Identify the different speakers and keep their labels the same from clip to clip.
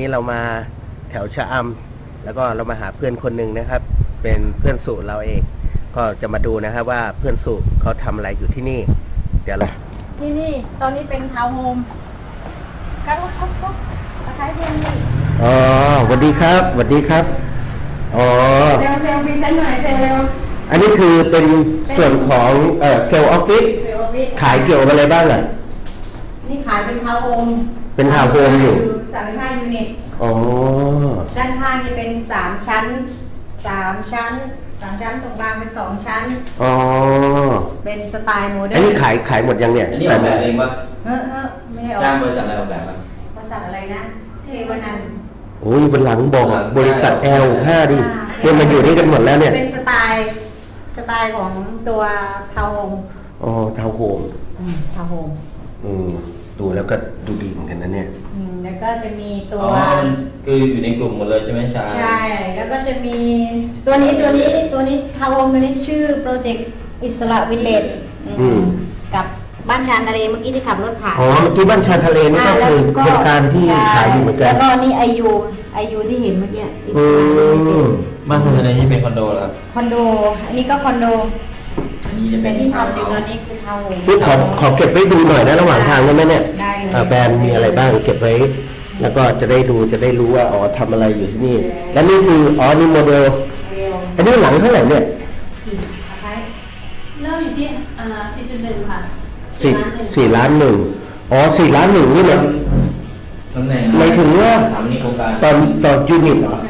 Speaker 1: นี้เรามาแถวชะอำแล้วก็เรามาหาเพื่อนคนหนึ่งนะครับ เป็นเพื่อนสุเราเองก็จะมาดูนะครับว่าเพื่อนสุเขาทำอะไรอยู่ที่นี่เดี๋ยวเรา
Speaker 2: ที่นี่ตอนนี้เป็นทาวน์โฮมก็ตะไคร้เพียงนี่
Speaker 1: อ๋อสวัสดีครับสวัสดีครับอ๋อ
Speaker 2: เซลฟี่เซนหน่อยเซลเร็ว
Speaker 1: อันนี้คือเป็นส่วนของเซลล์ออฟฟิศ
Speaker 2: เซลฟี่
Speaker 1: ขายเกี่ยวกับอะไรบ้างอ่ะ
Speaker 2: นี่ขายเป็นทาวน์โฮม
Speaker 1: เป็นทาวน์โฮมอยู่
Speaker 2: 35 ยูนิต
Speaker 1: อ๋อ
Speaker 2: ด้านข้างนี่เป็น3 ชั้น3 ชั้นตรงกลางเป็น2 ชั้น
Speaker 1: อ๋อ
Speaker 2: เป็นสไตล์โมเดิ
Speaker 1: อั
Speaker 2: ร์
Speaker 1: น
Speaker 2: น
Speaker 1: นี้ขายหมดยังเนี่ย
Speaker 3: อันนี้ออกแบบเองปะ
Speaker 2: ไม่ได้ออก
Speaker 3: จ้างบริษัทอะไรออกแบบปะ
Speaker 2: บริษัทอะไรนะเทวนันท์
Speaker 1: โอ้ยบนหลังบอกบริษัท L5 ดิเนี่ยมาอยู่นี่กันหมดแล้วเนี่ย
Speaker 2: เป็นสไตล์ของตัวทาวน์โฮม
Speaker 1: อ๋อทาวน์โฮม
Speaker 2: ทาวน์โฮม
Speaker 1: ดูแล้วก็ดูดีเหมือนกันนะเนี่ย
Speaker 2: แล้วก็จะมีตั
Speaker 3: อ๋
Speaker 2: ว
Speaker 3: อคืออยู่ในกลุ่มหมดเลยใช่ไหมชา
Speaker 2: ใช่ แล้วก็จะมีตัวนี้ทาวน์โฮมตัวนี้ชื่อโปรเจกต์อิสระวิลเลจกับบ้านชานทะเลเมื่อกี้ที่ขับรถผ่าน
Speaker 1: อ๋อเมื่อกี้บ้านชานทะเลนี่ก็คือโครงการที่ขายอยู่เหมือนกัน
Speaker 2: แล้วก็นี่ไอยูที่เห็นเมื่อกี้อิส
Speaker 1: อื
Speaker 2: ระวิลเล
Speaker 1: ม
Speaker 2: จ
Speaker 3: บ้านทางในนี่เป็นคอนโดเหรอครับ
Speaker 2: คอนโด อันนี้ก็คอนโด
Speaker 3: อันนี้จะเป็
Speaker 2: แต่
Speaker 3: น
Speaker 2: ที่ทำอยู่ตอนนี้คือทาวน์โฮม
Speaker 1: พี่ขอเก็บไว้ดูหน่อยนะระหว่างทางได้ไหมเนี่ย
Speaker 2: ได้เลย
Speaker 1: แบรนด์มีอะไรบ้างเก็บไว้ แล้วก็จะได้ดูจะได้รู้ว่าอ๋อทำอะไรอยู่ที่นี่ และนี่คืออ๋อนี่โมเดล
Speaker 2: เร็ว
Speaker 1: อันนี้หลังเท่าไหร่เนี่ย
Speaker 2: กี่อะไร
Speaker 4: เริ่มอยู่ที่4.1 ค่ะ
Speaker 1: 4.1 ล้านอ๋อ4.1 ล้านนี่เนี่ย
Speaker 3: ตำแหน่ง
Speaker 1: หมายถึงว่า
Speaker 3: ถามนี่โครงการ
Speaker 1: ตอนยูนิตเหรอ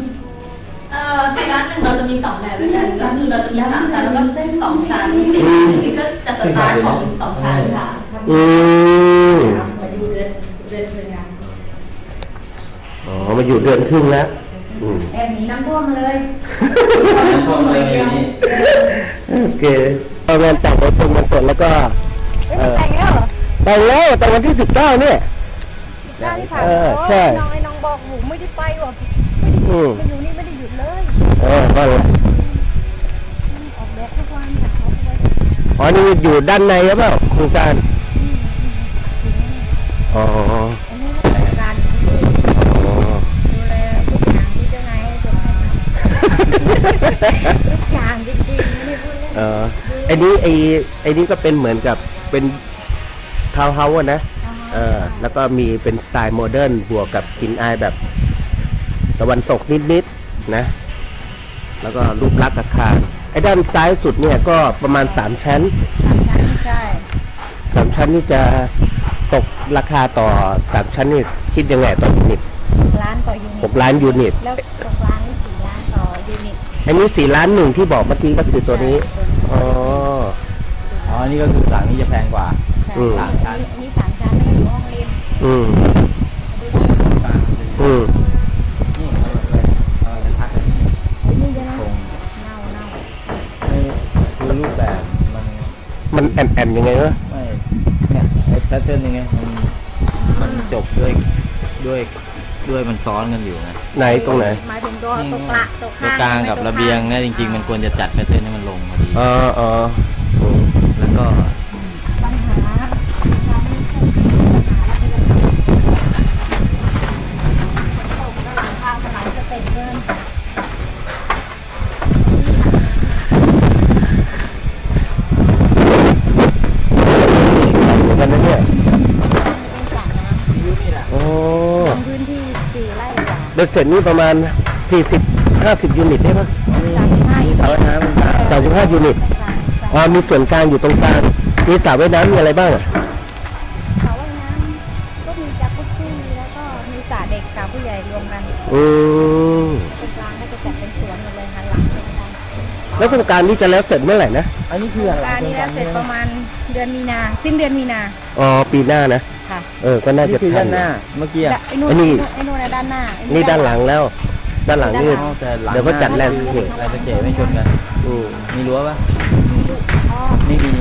Speaker 4: 4.1 เราจะมี2แบบด้วยกันก็คือเราจะมี3 ชั้นแล้วก็เส้น2 ชั้น4.1นี่ก็จะสไตล์ของ2 ชั้นค่ะ
Speaker 1: อืม
Speaker 2: มาดูเดือนเป็นไง
Speaker 1: อ๋อมาอยู่เดือนครึ่งแล้วอืม
Speaker 2: แอบหนีน้ำท่วมมาเลย
Speaker 3: น้ำท่วมเลยนี่
Speaker 1: โอเคเอางานแต่งไปตรงวันสดแล้วก็
Speaker 2: แต่งแล้วเหรอ
Speaker 1: แต่งแล้วแต่วันที่19เนี่ย
Speaker 2: ได้ที่ผ่าน
Speaker 1: ใช่
Speaker 2: น้องบอกหนูไม่ได้ไปว่ะ
Speaker 1: อืม
Speaker 2: มาอยู่นี่ไม่ได้หยุดเลย
Speaker 1: ก็เลย
Speaker 2: ออกแบบทุกวันค่ะออกแบบ
Speaker 1: อ๋อนี่อยู่ด้านในหรือเปล่าโครงการอ๋อ
Speaker 2: อันนี้ราชการดูแลทุกอย่างที่เจ้านายให้ทำทุกอย่างจริงๆไม่ได้พูดเล่น
Speaker 1: ไอ้นี่ก็เป็นเหมือนกับเป็นทาวน์เฮาส์นะแล้วก็มีเป็นสไตล์โมเดิร์นบวกกับกลิ่นอายแบบตะวันตกนิดๆนะแล้วก็รูปลักษณ์อาคารไอ้ด้านซ้ายสุดเนี่ยก็ประมาณ3 ชั้น
Speaker 2: ใช่
Speaker 1: 3 ชั้นนี่จะตกราคาต่อ3 ชั้นนี่คิดยังไงต่อยูนิต
Speaker 2: ล้านต่อยูนิต
Speaker 1: 6 ล้านยูนิต
Speaker 2: แล้วตรงล้านนี่4 ล้านต่อยูนิต
Speaker 1: อันนี้4.1 ล้านที่บอกเมื่อกี้ก็คือตัวนี้อ๋อ
Speaker 3: อ๋อนี่ก็คือหลังนี้จะแพงกว่า
Speaker 2: ใช่
Speaker 1: อืม
Speaker 2: อันนี้3 ชั้นแล้วก็อยู่ห้องเรียน
Speaker 1: อืมอืม
Speaker 3: นี่เอาไปพัก
Speaker 2: นี่เยอะนะ
Speaker 3: โครง
Speaker 2: เน่า
Speaker 3: ไม่คือรูปแบบมัน
Speaker 1: มันแอนยังไงวะ
Speaker 3: ไม่เนี่ยไอ้แพทเทิร์นยังไงมันจบด้วยมันซ้อนกันอยู่ไง
Speaker 1: ไหนตรงไหน
Speaker 2: หมายถึงตัวกลางตัว
Speaker 3: ตัว
Speaker 2: ข้าง
Speaker 3: กลางกับระเบียงเนี่ยจริงๆมันควรจะจัดแพทเทิร์นให้มันลงพอดี
Speaker 1: อ๋ออืม
Speaker 3: แล้วก็
Speaker 2: ปัญหาเราไม่ใช่ปัญหาแล้วเป็นปัญหาตกแล้วหลังคาสลายสเต็ปเกิน
Speaker 1: เหมือนกันนะเนี่ย
Speaker 2: เป็นสระน้ำ
Speaker 1: โอ้
Speaker 2: พื้นที่4 ไร่กว่า
Speaker 1: เบ็ดเสร็จนี่ประมาณ40-50 ยูนิตได้ปะ
Speaker 2: 35
Speaker 3: สระว่ายน้ำ
Speaker 1: 35 ยูนิตมีส่วนกลางอยู่ตรงกลางมีสระว่ายน้ำมีอะไรบ้างอ่ะ
Speaker 2: สระว่ายน้ำก็มีจักรุซี่แล้วก็มีสระเด็กสระผู้ใหญ่รวมกัน
Speaker 1: อืม
Speaker 2: ตรงกลางก็จะจัดเป็นสวนหมดเลยหันหลังเป็นกัน
Speaker 1: แล้วโครงการนี้จะแล้วเสร็จเมื่อไหร่นะ
Speaker 3: อันนี้คือ
Speaker 2: โคร
Speaker 3: อะ
Speaker 2: ง
Speaker 3: ไร
Speaker 2: การนี้แล้วเสร็จประมาณเดือนมีนาสิ้นเดือนมีนา
Speaker 1: อ๋อปีหน้านะ
Speaker 2: ค่ะ
Speaker 1: ก็น่า
Speaker 3: นี่
Speaker 1: จะ
Speaker 3: คือ
Speaker 1: ทั
Speaker 3: ด้าน นหน้าเมื่อกี้อะ
Speaker 2: ไอ้นู่น
Speaker 1: อันนี้
Speaker 2: ไอ้นู่นด้านหน้าไอ้
Speaker 1: นี่ด้านหลังแล้ว ด้านหลังนี่
Speaker 3: อ๋อแต่หลัง
Speaker 1: เดี๋ยวก็จัดแลนด์
Speaker 3: นี่
Speaker 1: สเคป
Speaker 3: แลนด์สเคปไม่ชนกัน
Speaker 1: อืม
Speaker 3: มีรั้วปะ
Speaker 2: อ๋อ
Speaker 3: ไม่มี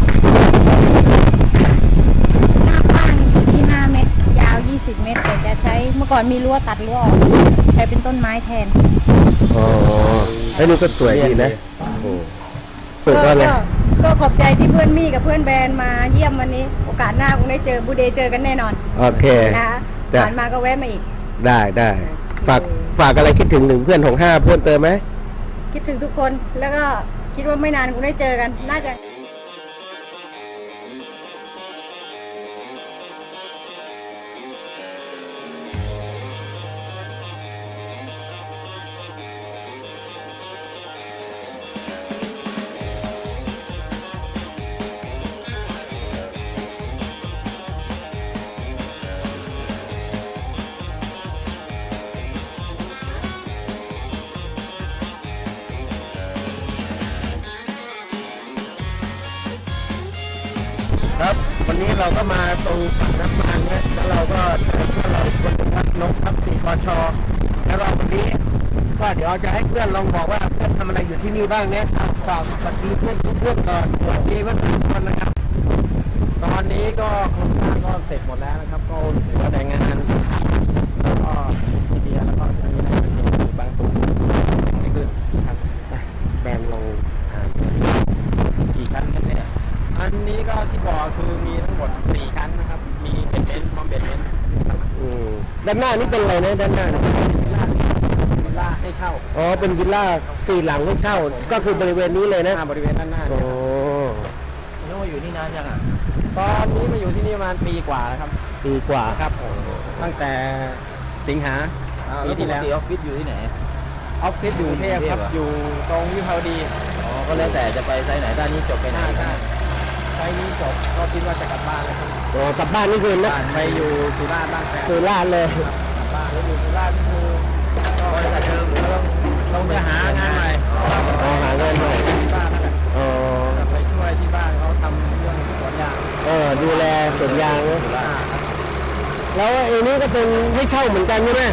Speaker 2: หน้ากว้างที่5 เมตรยาว20 เมตรแต่จะใช้เมื่อก่อนมีรั้วตัดรั้วออกใช้เป็นต้นไม้แทน
Speaker 1: อ๋อไอ้นี่ก็สวยดีนะโอ้เปิดว่าไง
Speaker 2: ก็ขอบใจที่เพื่อนมี่กับเพื่อนแบรนด์มาเยี่ยมวันนี้ โอกาสหน้าคงได้เจอบูเดย์เจอกันแน่นอน
Speaker 1: โอเค
Speaker 2: นะ
Speaker 1: จ้ะ
Speaker 2: ผ่านมาก็แวะมาอีก
Speaker 1: ได้ฝากอะไรคิดถึงเพื่อนของ5เพื่อนเติมไหม
Speaker 2: คิดถึงทุกคนแล้วก็คิดว่าไม่นานคงได้เจอกันน่าจะ
Speaker 1: ครับวันนี้เราก็มาตรงฝั่งน้ำมันนะแล้วเราก็เจอเพื่อนเราคนหนึ่งครับนกครับ4 กชแล้วเราวันนี้ก็เดี๋ยวจะให้เพื่อนลองบอกว่าเพื่อนทำอะไรอยู่ที่นี่บ้างเนี่ยฝากสวัสดีเพื่อนทุกเพื่อนก่อนสวัสดีเพื่อนทุกคนนะครับ
Speaker 3: ตอนนี้ก็โครงสร้างก็เสร็จหมดแล้วนะครับ ก็เหลือแต่งานแล้วก็ทีเดียแล้วก็จะมีอะไรเป็นบางส่วนไม่ขึ้นครับ
Speaker 1: แบนลง
Speaker 3: กี่ชั้นกันเนี่ยอันนี้ก็ที่บอกคือมีทั้งหมด4ชั้นนะครับ มีเบดเมนต์พร้อมเบดเมนต์
Speaker 1: ด้านหน้านี่เป็นอะไรนะด้านหน้าเนี่ย
Speaker 3: วิลล่าให้เช่า
Speaker 1: อ๋อเป็นวิลล่า4 หลังให้เช่า ก็คือบริเวณนี้เลยนะ
Speaker 3: บริเวณด้านหน้า
Speaker 1: โอ้
Speaker 3: เนี่ยครับน้องอยู่นี่นานยังอ่ะตอนนี้มาอยู่ที่นี่ประมาณปีกว่าแล้วครับ
Speaker 1: ปีกว่า
Speaker 3: ครับผมตั้งแต่สิงหาปีที่แล้วออฟฟิศอยู่ที่ไหนออฟฟิศอยู่กรุงเทพครับอยู่ตรงวิภาวดีอ๋อก็แล้วแต่จะไปไซต์ไหนด้านนี้จบไปไหนไซต์นี้จบก็คิดว่าจะกลับบ้านแล้วครับ
Speaker 1: โอ้กลับบ้านนี่คือนะ
Speaker 3: ไปอยู่สุราษฎร์บ้านแฟน
Speaker 1: สุราษฎร์เลย
Speaker 3: กลับบ้านแล้วอยู่สุราษฎร์คือก็บริษัทเดิมต้องไปหางานใหม่
Speaker 1: อ๋อหาเงินหน่อย
Speaker 3: ที่บ้านนั่นแหละ
Speaker 1: อ๋อก
Speaker 3: ลับไปช่วยที่บ้านเขาทำเรื่องสวนยาง
Speaker 1: ดูแลสวนยางนะแล้วไอ้นี้ก็เป็นให้เช่าเหมือนกันใช่ไหม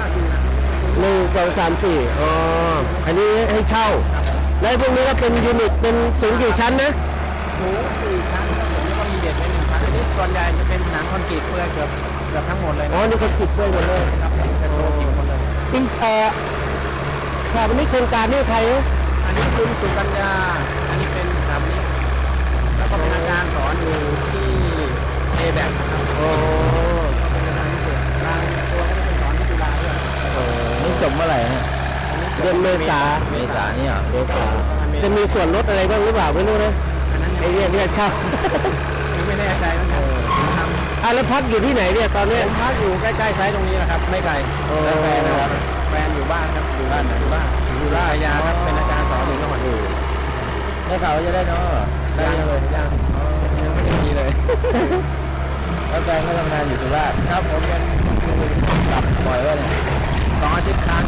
Speaker 1: 1 2 3 4อ๋ออันนี้ให้เช่า แล้วพวกนี้ก็เป็นยูนิตเป็นสูงกี่ชั้นนะ
Speaker 3: สูง4 ชั้นครับผมแล้วก็มีเด็ดใน1 ชั้นอันนี้ส่วนใหญ่จะเป็นหนังคอนกรีตเพื่อเกือบทั้งหมดเลย
Speaker 1: อ๋อ นี่ก็ติดด้วยหมดเลย
Speaker 3: ครับเป็นโลกิกหมดเลย
Speaker 1: จริงครับวันนี้โครงการนี่ใครนะ
Speaker 3: อันนี้คุณสุกัญญาอันนี้เป็นสถาปนิกแล้วก็เป็นอาจารย์สอนอยู่ที่เอแบกนะครับ
Speaker 1: โอ้
Speaker 3: เป็นอาจารย์พิเศษบางตัวก็เป็นสอนที่จุฬาด้วย
Speaker 1: นี่จบเมื่อไหร่ฮะเดือนเมษา
Speaker 3: เมษาเนี่ย
Speaker 1: เมษาจะมีส่วนลดอะไรบ้างหรือเปล่าไม่รู้นะ
Speaker 3: อันนั้น
Speaker 1: ไอ้เนี่ยเช่า
Speaker 3: ไม่แน่ใจเหมือนกันทำ
Speaker 1: แล้วพักอยู่ที่ไหนเนี่ยตอนนี้
Speaker 3: ผมพักอยู่ใกล้ๆไซต์ตรงนี้แหละครับ ไม่ไกล
Speaker 1: โอ้
Speaker 3: แล้วแฟนนะครับแฟนอยู่บ้านครับอยู่บ้านอยู่ราชยาครับเป็นอาจารย์สอนอยู่จังหวัดอื่นได้ข่าวว่าจะได้เนาะได้ยังเลยยังไม่ได้มีเลย แล้วแฟนก็ทำงานอยู่สุราษฎร์ครับผมยังกลับบ่อยว่าเนี่ย2 อาทิตย์ครั้ง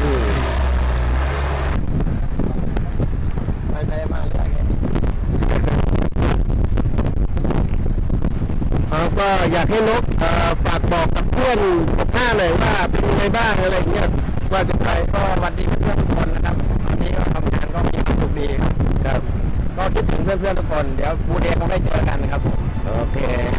Speaker 3: ไปมาเรื่อย
Speaker 1: ก็อยากให้นกฝากบอกกับเพื่อน15หน่อยว่าเป็นยังไงบ้างอะไรเงี้ยว่าจะไป
Speaker 3: ก็สวัสดีเพื่อนๆทุกคนนะครับตอนนี้ก็ทำงานก็มีความสุขดีครับ
Speaker 1: ครับ
Speaker 3: ก็คิดถึงเพื่อนๆทุกคนเดี๋ยวบูเดย์คงได้เจอกันครับผม
Speaker 1: โอเค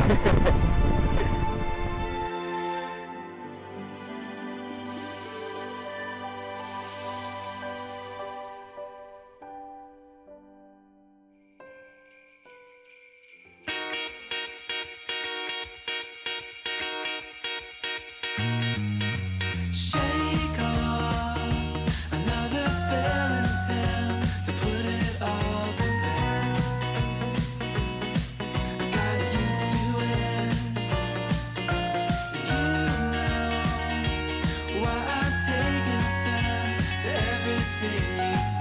Speaker 5: Shake off another failing attempt to put it all to bed. I got used to it. You know why I've taken offense to everything you